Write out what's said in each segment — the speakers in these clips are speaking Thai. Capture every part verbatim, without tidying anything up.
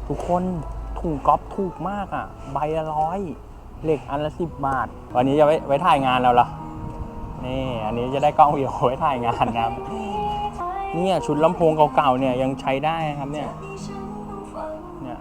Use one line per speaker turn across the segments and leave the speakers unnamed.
ทุกคนถุงก๊อฟถูกมากอ่ะใบละร้อยเหล็กอันละสิบบาทวันนี้จะไว้ไว้ถ่ายงานเราเหรอนี่อันนี้จะได้กล้องวิดีโอไว้ถ่ายงานนะครับเนี่ยชุดลำโพงเก่าๆเนี่ยยังใช้ได้นะครับเนี่ยเนี่ย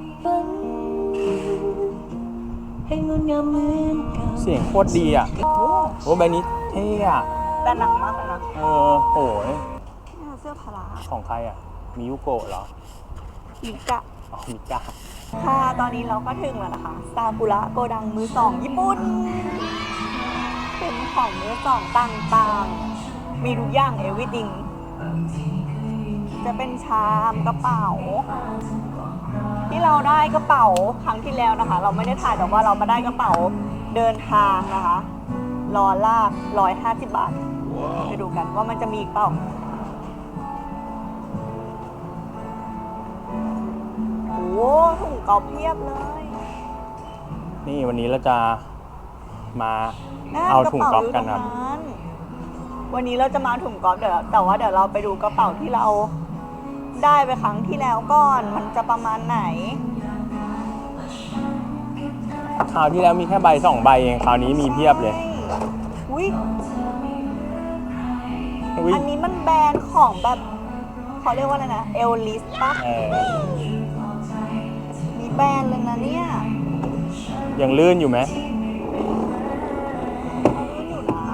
เสียงโคตรดีอ่ะโอ้ใบนี้เท่อะ
แต่หนักมากเลยนะ
เออโอ้ย
เสื้อพลา
ของใครอ่ะมิยุโกะเหรอ
มิกะ
อ๋อมิกะ
ค่ะตอนนี้เราก็ถึงแล้วนะคะซากุระโกดังมือสองญี่ปุ่นเป็นของมือสองต่างๆมีทุกอย่าง everything จะเป็นชามกระเป๋าที่เราได้กระเป๋าครั้งที่แล้วนะคะเราไม่ได้ถ่ายแต่ว่าเรามาได้กระเป๋าเดินทางนะคะรอลากร้อยห้าสิบบาทไปดูกันว่ามันจะมีอีกเปล่าโอ้ถุงกอล์ฟเพียบเลย
นี่วันนี้เราจะมาเอาถุงกอล์ฟกันครับ
วันนี้เราจะมาถุงกอล์ฟเดี๋ยวแต่ว่าเดี๋ยวเราไปดูกระเป๋าที่เราได้ไปครั้งที่แล้วก่อนมันจะประมาณไหน
คราวที่แล้วมีแค่ใบสองใบเองคราวนี้มีเพียบเลย
อุ้ยอันนี้มันแบรนด์ของแบบเขาเรียกว่าอะไรนะเอลลิสป่ะมีแบรนด์เลยนะเนี่ย
ยังลื่นอยู่ไหม
ลื่นอยู่นะ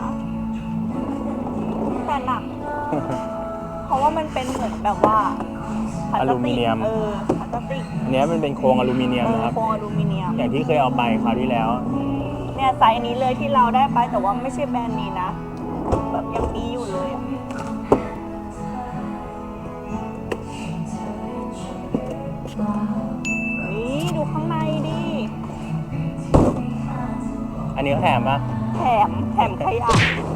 แต่หนัก เพราะว่ามันเป็นเหมือนแบบว่า
อลูมิเนียม
เออพลาสติก
เนี้ยมันเป็นโครงอลูมิเนียมนะครับ
โครงอลูมิเนียม
อย่างที่เคยเอาไปคราวที่แล้ว
เนี่ยไซส์นี้เลยที่เราได้ไปแต่ว่าไม่ใช่แบรนด์นี้นะแบบยังมีอยู่เลยอ่ะนี่ดูข้างในดิ
อันนี้เขาแถมปะ
แถมแถมขยะ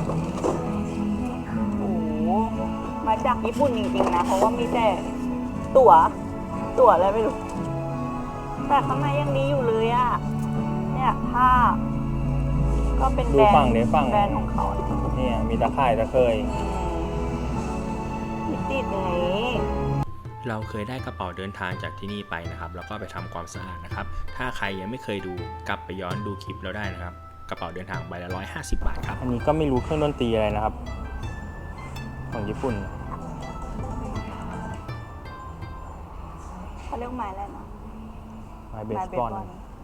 โอ้มาจากญี่ปุ่นจริงๆนะเพราะว่ามีแต่ตั๋วตั๋วอะไรไม่รู้แต่ข้างในยังดีอยู่เลยอ่ะเนี่ยผ้าก็เป็นแบรนด์แบรนด์ของเขา
เนี่ยมีตะข่ายตะเคย
มีติดอย่างนี้
เราเคยได้กระเป๋าเดินทางจากที่นี่ไปนะครับแล้วก็ไปทำความสะอาดนะครับถ้าใครยังไม่เคยดูกลับไปย้อนดูคลิปเราได้นะครับกระเป๋าเดินทางใบละร้อยห้าสิบบาทครับ
อันนี้ก็ไม่รู้เครื่องดนตรีอะไรนะครับของญี่ปุ่น
เขาเรียกไม้อะไรนะ
ไม้เบสบอล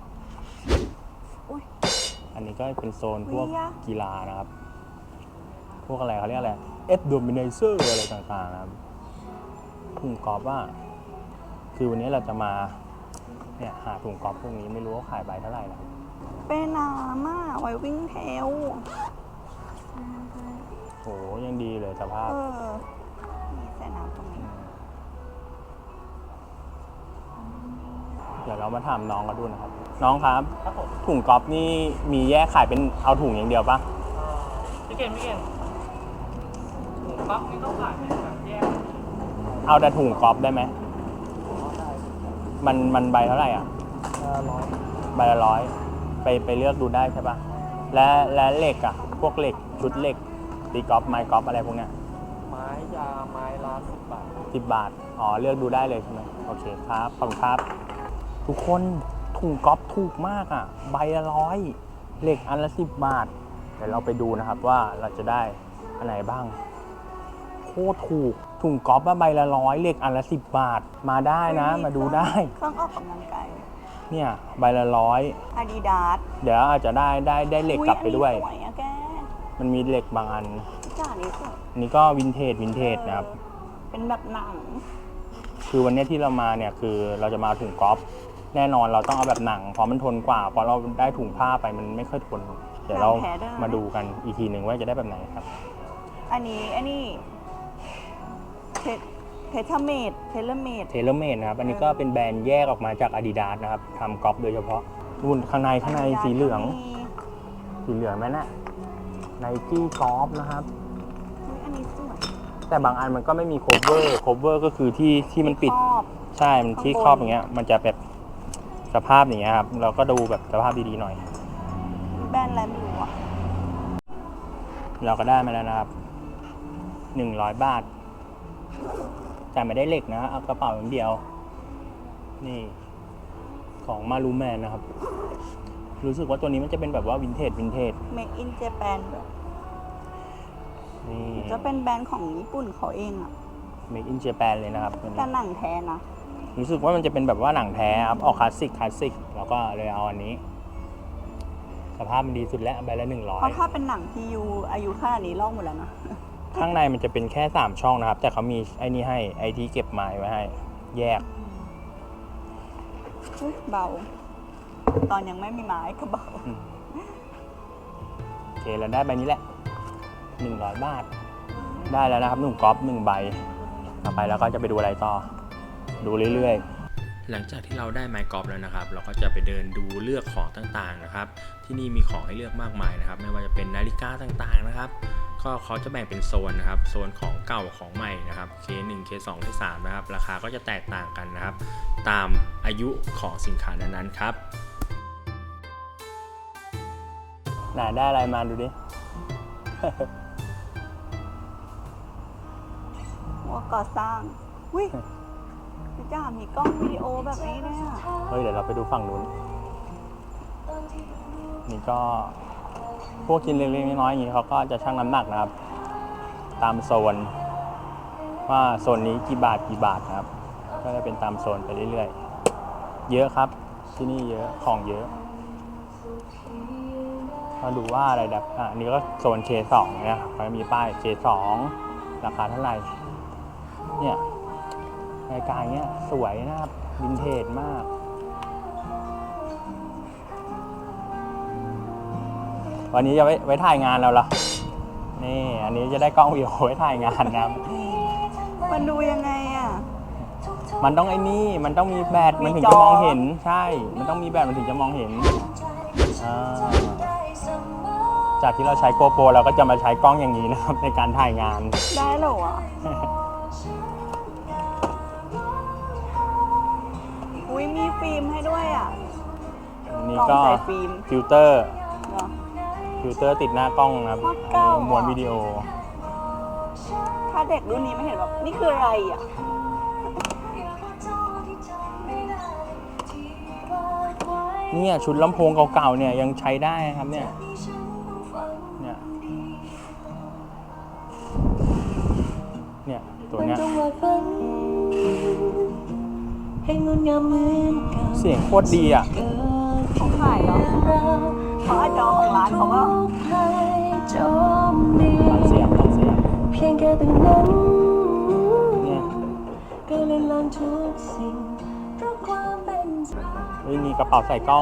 อันนี้ก็เป็นโซนพวกกีฬานะครับพวกอะไรเขาเรียกอะไรเอฟโดมิเนเซอร์อะไรต่างๆนะครับถุงกอล์ฟว่าคือวันนี้เราจะมาเนี่ยหาถุงกอล์ฟพวกนี้ไม่รู้ว่าขายใบเท่าไหร่นะ
เป็นน้ำอ่ะไว้วิ่งเทล
โหยังดีเลยสภาพ
มีใส่น้ำตรงนี้
เดี๋ยวเรามาถามน้องกันดูนะครับน้องครับถุงกอล์ฟนี่มีแยกขายเป็นเอาถุงอย่างเดียวปะ
พี่เก่งพี่เก่งถุงกอล์ฟนี่ต้องขายเป็นแบบแยก
เอาแต่ถุงกอล์ฟได้ไหมมันมันใบเท่าไหร่อ่ะ
ร้อย
ใบละร้อยไปไปเลือกดูได้ใช่ปะและและเหล็กอ่ะพวกเหล็กชุดเหล็กตีกอล์ฟไม้กอล์ฟอะไรพวกเนี้ย
ไม้ยาไม้ละสิบบาท
สิบบาทอ๋อเลือกดูได้เลยใช่ไหมโอเคครับขอบคุณครับทุกคนถุงกอล์ฟถูกมากอ่ะใบละร้อยเหล็กอันละสิบบาทเดี๋ยวเราไปดูนะครับว่าเราจะได้อันไหนบ้างโคตรถูกถุงกอล์ฟใบละร้อยเหล็กอันละสิบบาทมาได้นะมาดูได้
เครื่องออกกำลังกาย
เนี่ยใบละร้อย
อาดิดาส
เดี๋ยวอาจจะได้ได้ได้เหล็กกลับไปด้วยมันมีเหล็กบางอัน
จ้านี่สวย
นี่ก็วินเทจวินเทจนะครับ
เป็นแบบหนัง
คือวันนี้ที่เรามาเนี่ยคือเราจะมาถุงกอล์ฟแน่นอนเราต้องเอาแบบหนังเพราะมันทนกว่าเพราะเราได้ถุงผ้าไปมันไม่ค่อยทนเดี๋ยวเรามาดูกันอีกทีหนึ่งว่าจะได้แบบไหนครับ
อันนี้อันนี้เทเทเลเมดเทเลเมด
เทเลเมดนะครับอันนี้ก็เป็นแบรนด์แยกออกมาจาก Adidas นะครับทำกอล์ฟโดยเฉพาะรุ่นข้างในข้างในสีเหลืองสีเหลืองไหมนะไนกี้กอล์ฟนะครับ
อันนี้สวย
แต่บางอันมันก็ไม่มีโคเวอร์โคเวอร์ก็คือที่ที่มันปิดใช่มันที่ครอบอย่างเงี้ยมันจะแบบสภาพอย่างเงี้ยครับเราก็ดูแบบสภาพดีๆหน่อย
แบรนด์อะไรไม่รู้อ่ะ
เราก็ได้มาแล้วนะครับหนึ่งร้อยบาทแต่ไม่ได้เหล็กนะเอากระเป๋าอย่างเดียวนี่ของมารูแมนนะครับ รู้สึกว่าตัวนี้มันจะเป็นแบบว่าวินเทจวินเทจ
Make in Japan แบบ
นี่
จะเป็นแบรนด์ของญี่ปุ่นเขาเองอะ
Make in Japan เลยนะครับตัว
กา
นี้
รหนังแท้นะ
รู้สึกว่ามันจะเป็นแบบว่าหนังแท้ครับ ออกคลาสสิกคลาสสิกแล้วก็เลยเอาอันนี้ สภาพมันดีสุดแล้วใบละหนึ่งร้อ
เพ
ย
ราะถ้าเป็นหนังที่ยูอายุขนาดนี้ลอกหมดแล้วนะ
ข้างในมันจะเป็นแค่สามช่องนะครับ แต่เขามีไอ้นี่ให้ไอที่เก็บไม้ไว้ให้ แยก
อุ๊ยเบา ตอนยังไม่มีไม้ก็เบา
อืมโอเคเราได้ใบนี้แหละหนึ่งร้อยบาท ได้แล้วนะครับหนุ่มก๊อฟหนึ่งใบต่อไปแล้วก็จะไปดูอะไรต่อ ดูเรื่อย
หลังจากที่เราได้ไม้กอล์ฟแล้วนะครับ เราก็จะไปเดินดูเลือกของต่างๆนะครับ ที่นี่มีของให้เลือกมากมายนะครับ ไม่ว่าจะเป็นนาฬิกาต่างๆนะครับ ก็เขาจะแบ่งเป็นโซนนะครับ โซนของเก่าของใหม่นะครับ เค หนึ่ง เค สอง เค สาม นะครับ ราคาก็จะแตกต่างกันนะครับ ตามอายุของสินค้านั้นๆครับ
ๆ ไหนได้อะไรมาดูดิ
ว่าก่อสร้างวิพี่จ้ามีกล้องวิดีโอแบบนี้ด้วยอะ
เฮ้ยเดี๋ยวเราไปดูฝั่งนู้น นี่ก็พวกชิ้นเล็กๆน้อยๆอย่างนี้เขาก็จะชั่งน้ำหนักนะครับ ตามโซน ว่าโซนนี้กี่บาทกี่บาทนะครับ ก็จะเป็นตามโซนไปเรื่อยๆ เยอะครับที่นี่เยอะของเยอะ มาดูว่าอะไรแบบอ่ะอันนี้ก็โซน เค สอง เนี่ยเขาจะมีป้าย เค สอง ราคาเท่าไหร่ เนี่ยรายการเนี้ยสวยนะครับวินเทจมาก วันนี้จะไว้ไว้ถ่ายงานเราเหรอ นี่ อันนี้จะได้กล้องวิดีโอไว้ถ่ายงานนะครับ
มันดูยังไงอะ
มันต้องไอ้นี่ มันต้องมีแบต มันถึง
มีจ
จะ
อ
มองเห็น ใช่ มันต้องมีแบต มันถึงจะมองเห็นอ่าจากที่เราใช้โกโปรเราก็จะมาใช้กล้องอย่างนี้นะครับ ในการถ่ายงาน
ได้เหรอวะอุ้ยมีฟิล์มให้ด้วยอ่ะ
อันนี้
กล้
ก็
องใส่ฟิล์ม
ฟิลเตอร์
เหรอ
ฟิลเตอร์ติดหน้ากล้องนะครับ
โคตรเก่าอ่ะ
ม้วนวิดีโอ
ถ้าเด็กรุ่นนี้ไม่เห็นแบบนี่คืออะไรอ่ะ
เนี่ยชุดลำโพงเก่าๆเนี่ยยังใช้ได้ครับเนี่ย เนี่ย เนี่ยตัวเนี้ยเสียงโคตรดีอ่ะ
เขาขายเหรอเขาอาจจะเอาของร้านเขาก็
ฟังเสียงฟังเสียง
เพียงแค่ตรงนั้น
เนี่ย
ก็เลยลองทุกสิ่งเพราะความเป็นใจ
เฮ้ยมีกระเป๋าใส่กล้อง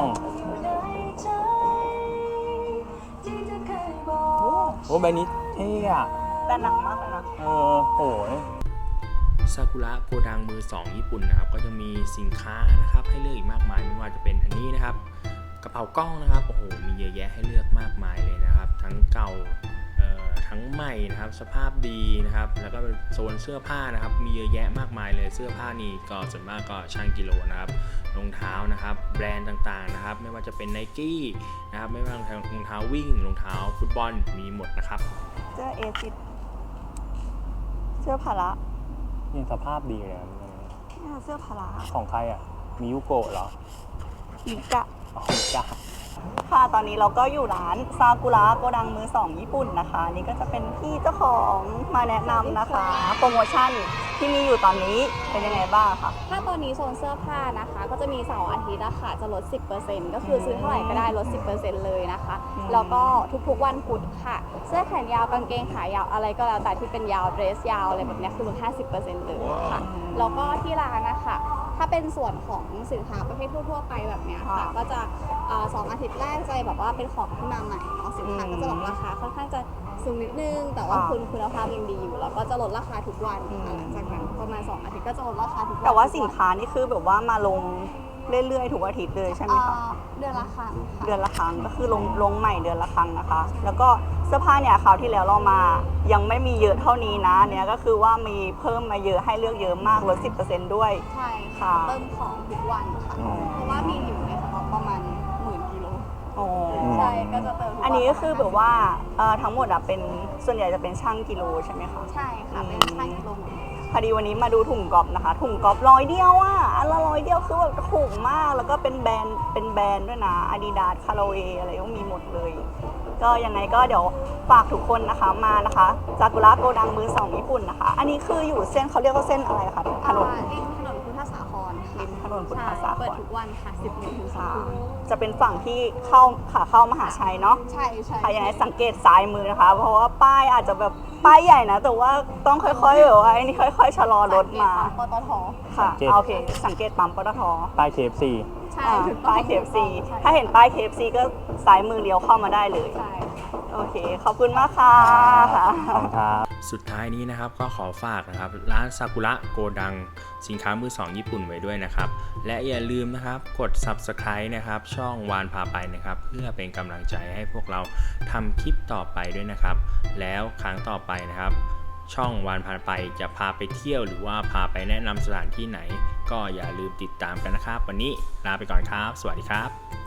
ที่เธอเคยบอก
โอ้ใบนี้เท่อะ
แต่หนักมากเลยนะ
เออโอ้ย
ซากุระโกดังมือสองญี่ปุ่นนะครับ ก็จะมีสินค้านะครับให้เลือกอีกมากมายไม่ว่าจะเป็นอันนี้นะครับ กระเป๋ากล้องนะครับโอ้โหมีเยอะแยะให้เลือกมากมายเลยนะครับ ทั้งเก่าเอ่อทั้งใหม่นะครับสภาพดีนะครับ แล้วก็เป็นโซนเสื้อผ้านะครับ มีเยอะแยะมากมายเลยเสื้อผ้านี่ก็ส่วนมากก็ช่างกิโลนะครับรองเท้านะครับ แบรนด์ต่างๆนะครับ ไม่ว่าจะเป็น Nike นะครับไม่ว่ารองเท้ารองเท้าวิ่งรองเท้าฟุตบอลมีหมดนะครับ
เสื้อเอซิดเสื้อพาระ
ยังสภาพดีเลยนะ
เนี่ยเสื้อพาระ
ของใครอ่ะ มิยุโกะเหรอ
มิกะ
อ๋อมิกะ
ค่ะตอนนี้เราก็อยู่ร้านซากุระโกดังมือสองญี่ปุ่นนะคะ นี่ก็จะเป็นพี่เจ้าของมาแนะนำนะคะ โปรโมชั่นที่มีอยู่ตอนนี้เป็นยังไงบ้างคะ
ถ้าตอนนี้โซนเสื้อผ้านะคะ ก็จะมีเสาร์อาทิตย์อะค่ะจะลด สิบเปอร์เซ็นต์ ก็คือซื้อเท่าไหร่ก็ได้ลด สิบเปอร์เซ็นต์ เลยนะคะ
อืม
แล้วก็ทุกๆวันพุธค่ะ เสื้อแขนยาวกางเกงขายาวอะไรก็แล้วแต่ที่เป็นยาวเดรสยาวอะไรแบบเนี้ยคือลด ห้าสิบเปอร์เซ็นต์ เลยค่ะ แล้วก็ที่ร้านนะคะถ้าเป็นส่วนของสินค้าประเภททั่วๆไปแบบเนี้ยค่ะ ก็จะเอ่อสองอาทิตย์แรกจะแบบว่าเป็นของที่มาใหม่เนาะสินค้าก็จะแบบราคาค่อนข้างจะสูงนิดนึง แต่ว่าคุณคุณภาพยังดีอยู่แล้วก็จะลดราคาทุกวันค่ะหลังจากนั้นประมาณสองอาทิตย์ก็จะลดราคาทุกวัน
แต่ว่าสินค้านี่คือแบบว่ามาลงเรื่อยๆทุกอาทิตย์เลยใช่ไหม
เอ่
คะ
อเดือนละครั้งค่ะ
เดือนละครั้งก็คือลงลงใหม่เดือนละครั้งนะคะ แล้วก็เสื้อผ้าเนี่ยคราวที่แล้วเรามายังไม่มีเยอะเท่านี้นะเนี่ยก็คือว่ามีเพิ่มมาเยอะให้เลือกเยอะมากลด สิบเปอร์เซ็นต์ ด้วย
ใช่
ค่ะ
ค่ะเติมของทุกวันค่ะ
อืม
เพราะว่ามีอยู่ในสต็อกประมาณหมื่นกิโล
อ๋อ
ใช่ก็จะเติมทุกวัน
อันนี้ก็คือแบบว่าเอ่อทั้งหมดอะเป็นส่วนใหญ่จะเป็นช่างกิโลใช่ไหมคะ
ใช่ค่ะเป็นช่างกิโลหมดเลย
พอดีวันนี้มาดูถุงกอล์ฟนะคะ ถุงกอล์ฟร้อยเดียวอ่ะอันละร้อยเดียวคือแบบถูกมากแล้วก็เป็นแบรนด์เป็นแบรนด์ด้วยนะ Adidas Callaway อะไรก็มีหมดเลย ก็ยังไงก็เดี๋ยวฝากทุกคนนะคะมานะคะซากุระโกดังมือสองญี่ปุ่นนะคะ อันนี้คืออยู่เส้นเขาเรียกว่าเส้นอะไรคะถนน
อ่าริมถนนพุทธสาครค่ะ
ริมถนนพุทธสาคร
ใช่เปิดทุกวันค่ะสิบโมงถึงสองทุ่ม
จะเป็นฝั่งที่เข้าขาเข้ามหาชัยเนาะ
ใช่ใช่
ค่ะยังไงสังเกตซ้ายมือนะคะ เพราะว่าป้ายอาจจะแบบป้ายใหญ่นะ แต่ว่าต้องค่อยๆแบบว่าไอ้นี่ค่อยๆชะลอรถมา
ปตท
ค่ะ
สังเกต
โอเค สังเกตปั๊มปตท
ใต้ เค เอฟ ซี
ใช่
อ่า
ถูกต้อง
ป้าย เค เอฟ ซี
ใช่
ถ้าเห็นป้าย เค เอฟ ซี ก็ซ้ายมือเลี้ยวเข้ามาได้เลย
ใช่
โอเค ขอบคุณมากค่ะค่ะ
ขอบคุณครับ
สุดท้ายนี้นะครับก็ขอฝากนะครับร้านซากุระโกดังสินค้ามือสองญี่ปุ่นไว้ด้วยนะครับ และอย่าลืมนะครับกด ซับสไครบ์ นะครับช่องวานพาไปนะครับเพื่อเป็นกำลังใจให้พวกเราทำคลิปต่อไปด้วยนะครับ แล้วครั้งต่อไปนะครับ ช่องวานพาไปจะพาไปเที่ยวหรือว่าพาไปแนะนำสถานที่ไหน ก็อย่าลืมติดตามกันนะครับ วันนี้ลาไปก่อนครับ สวัสดีครับ